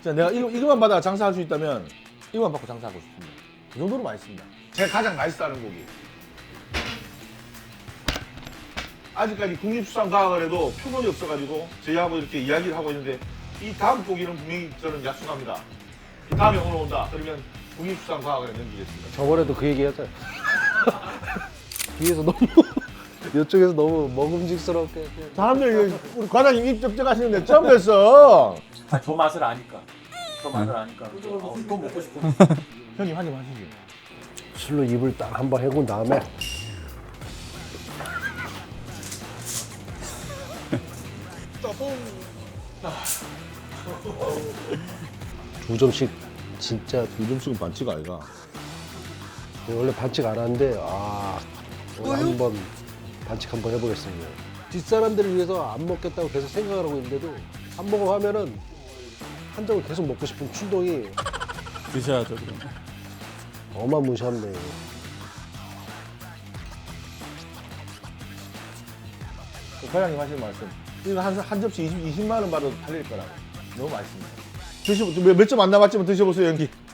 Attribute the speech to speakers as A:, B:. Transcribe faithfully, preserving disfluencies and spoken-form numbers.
A: 진짜 내가 이거, 이거만 받아 장사할 수 있다면 이거만 받고 장사하고 싶습니다. 그 정도로 맛있습니다. 제가 가장 맛있다는 고기. 아직까지 국립수산과학을 해도 표본이 없어가지고 저희하고 이렇게 이야기를 하고 있는데 이 다음 고기는 분명히 저는 약속합니다. 이 다음에 오늘 온다. 그러면 국립수산과학을 넘기겠습니다.
B: 저번에도 그 얘기 했잖아요. 뒤에서 너무 이쪽에서 너무 먹음직스럽게
A: 사람들 우리 과장님 입 접촉하시는데 처음 뵀어.
C: 아, 저 맛을 아니까. 저 맛을 아니까. 어, 또 먹고 싶어.
A: 형님 한입 하시죠.
B: 술로 입을 딱 한번 해군 다음에 두 점씩 진짜
A: 이 점씩은 반칙 아이가.
B: 원래 반칙 안 하는데 아 오늘 한번 반칙 한번 해보겠습니다. 뒷사람들을 위해서 안 먹겠다고 계속 생각을 하고 있는데도 한 모금 하면은 한 점을 계속 먹고 싶은 충동이
D: 드셔야죠 그럼.
B: 어마무시합니다. 이거.
A: 그 과장님 하시는 말씀. 이거 한, 한 접시 이십, 이십만 원 받아도 팔릴 거라고. 너무 맛있습니다. 드셔, 몇 점 안 남았지만 드셔보세요, 연기.